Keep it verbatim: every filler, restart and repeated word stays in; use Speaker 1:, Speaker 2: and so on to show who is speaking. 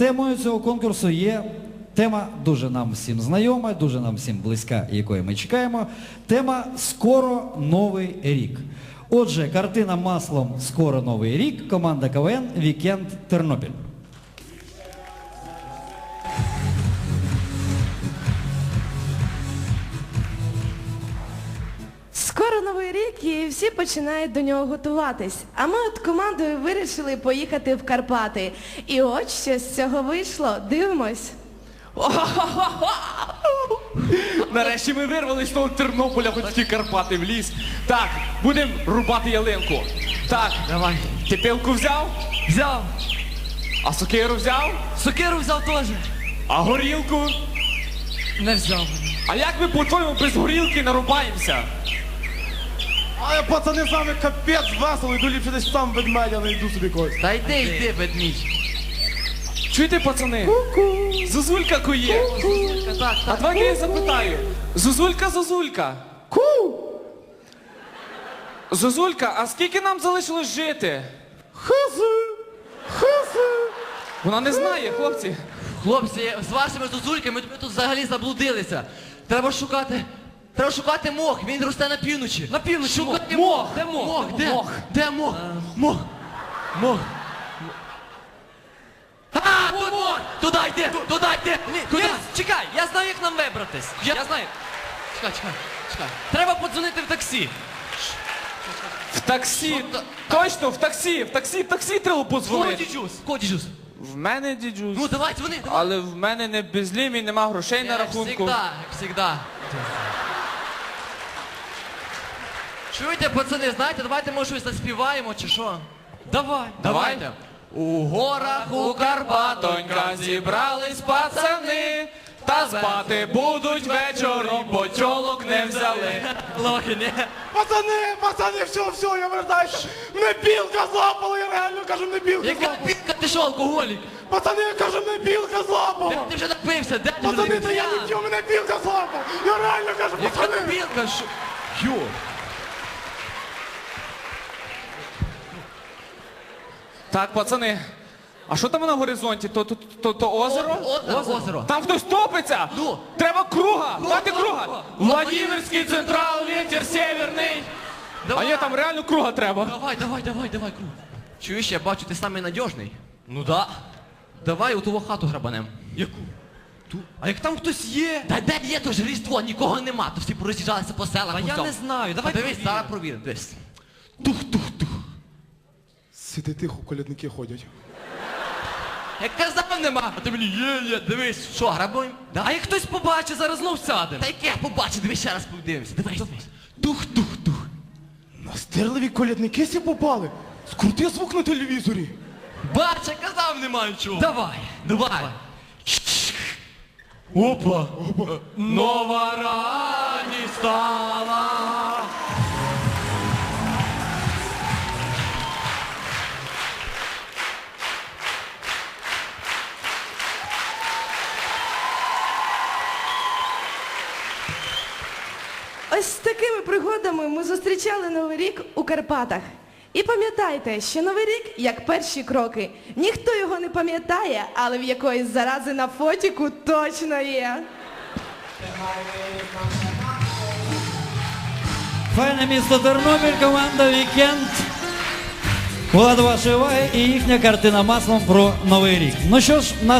Speaker 1: темою цього конкурсу є тема дуже нам всім знайома, дуже нам всім близька, якої ми чекаємо. Тема «Скоро Новий рік». Отже, картина маслом «Скоро Новий рік», команда КВН «Вікенд Тернопіль».
Speaker 2: Скоро Новий рік і всі починають до нього готуватись. А ми от командою вирішили поїхати в Карпати. І от що з цього вийшло. Дивимось.
Speaker 3: Нарешті ми вирвались з того Тернополя, хоч ті Карпати в ліс. Так, будемо рубати ялинку. Так,
Speaker 4: Давай.
Speaker 3: ти пилку взяв?
Speaker 4: Взяв.
Speaker 3: А сокиру взяв?
Speaker 4: Сокиру взяв теж.
Speaker 3: А горілку?
Speaker 4: Не взяв.
Speaker 3: А як ми, по-твоєму, без горілки нарубаємося?
Speaker 5: А я, пацани, з вами капець весело, йду ліпше десь сам ведмедя, не йду собі когось.
Speaker 4: Та йди, йди, ведмідь.
Speaker 3: Чуєте, пацани? Ку-ку. Зозулька кує.
Speaker 4: Так, так,
Speaker 3: А
Speaker 4: так.
Speaker 3: давайте я запитаю. Зозулька, Зозулька.
Speaker 5: Ку!
Speaker 3: Зозулька, а скільки нам залишилось жити?
Speaker 5: Хази! Хази!
Speaker 3: Вона не знає, хлопці.
Speaker 4: Хлопці, з вашими зозульками ми тут взагалі заблудилися. Треба шукати. Треба шукати мох, він росте на півночі. На півночі шукати
Speaker 3: мох.
Speaker 4: мох. Де мох?
Speaker 3: Мох,
Speaker 4: Де?
Speaker 3: мох.
Speaker 4: Де мох? Мох. Мох. А, тут мох! Туди йди! Туди йди! Куди?
Speaker 6: Чекай, я знаю, як нам вибратись.
Speaker 4: Я-
Speaker 6: Я, знаю.
Speaker 4: Чекай, чекай, чекай.
Speaker 6: Треба подзвонити в таксі.
Speaker 3: В таксі.
Speaker 4: Що та-
Speaker 3: Точно, в таксі. В таксі, в таксі треба подзвонити.
Speaker 4: Дідюс. Кого дідюс?
Speaker 3: В мене дідюсь.
Speaker 4: Ну давай, дзвони, давай.
Speaker 3: Але в мене не безлімій, нема грошей на
Speaker 4: Як
Speaker 3: рахунку.
Speaker 4: всегда, як всегда. Чуєте, пацани, знаєте, давайте може щось заспіваємо чи що?
Speaker 6: Давай.
Speaker 4: Давайте. У горах, у
Speaker 3: Карпатонька зібрались пацани, та спати будуть вечором, бо тьолок не взяли.
Speaker 4: Лохи, ні?
Speaker 5: Пацани, пацани, все, все, я вертаюся. Мене білка злапала, я реально кажу, мене білка
Speaker 4: Яка
Speaker 5: злапала.
Speaker 4: пінка, ти що, алкоголік?
Speaker 5: Пацани, я кажу, мене білка
Speaker 4: Ти,
Speaker 5: злапала.
Speaker 4: ти вже напився, де ти вже
Speaker 5: Пацани,
Speaker 4: напився?
Speaker 5: та я не п'ю, мене білка злапала. Я реально кажу,
Speaker 4: Яка
Speaker 5: пацани.
Speaker 4: пінка, що? Йо.
Speaker 3: Так, пацани, а що там на горизонті? То, то, то, то озеро?
Speaker 4: Озеро, озеро.
Speaker 3: Там хтось топиться!
Speaker 4: Ну.
Speaker 3: Треба круга! Дати круга!
Speaker 4: круга.
Speaker 3: Владимирський централ, ветер северний! А
Speaker 4: Давай.
Speaker 3: ні, там реально круга треба.
Speaker 4: Давай, давай, давай, давай, круг. Чуєш, я бачу, ти самий надіжний. Ну да. Давай у ту хату грабанем. Яку? Ту.
Speaker 6: А як там хтось є?
Speaker 4: Та де є то ж Різдво, нікого нема, то всі пороз'їжджалися по селах.
Speaker 6: Та
Speaker 4: по
Speaker 6: я
Speaker 4: всьому.
Speaker 6: не знаю, давай
Speaker 4: Та дивись,
Speaker 6: провіримо.
Speaker 4: зараз провіримо, дивись. Тух-тух-тух.
Speaker 5: Сиди тихо, колядники ходять.
Speaker 4: Як казав нема, а ти мені є, є, дивись, що, грабуємо? Да?
Speaker 6: А як хтось побачить, зараз знов сядемо.
Speaker 4: Та яке я побачу, дивись, ще раз подивимося, дивись, дивись. Тух-тух-тух.
Speaker 5: Настирливі колядники сі попали. Скрути звук на телевізорі.
Speaker 4: Бач, я казав нема нічого.
Speaker 6: Давай.
Speaker 4: Давай.
Speaker 3: Опа!
Speaker 4: Нова радість стала.
Speaker 2: Ось з такими пригодами ми зустрічали Новий рік у Карпатах. І пам'ятайте, що Новий рік як перші кроки. Ніхто його не пам'ятає, але в якоїсь зарази на фотіку точно є.
Speaker 1: Файне місто Тернопіль, команда «Вікенд». Була до вашої уваги і їхня картина маслом про Новий рік. Ну що ж,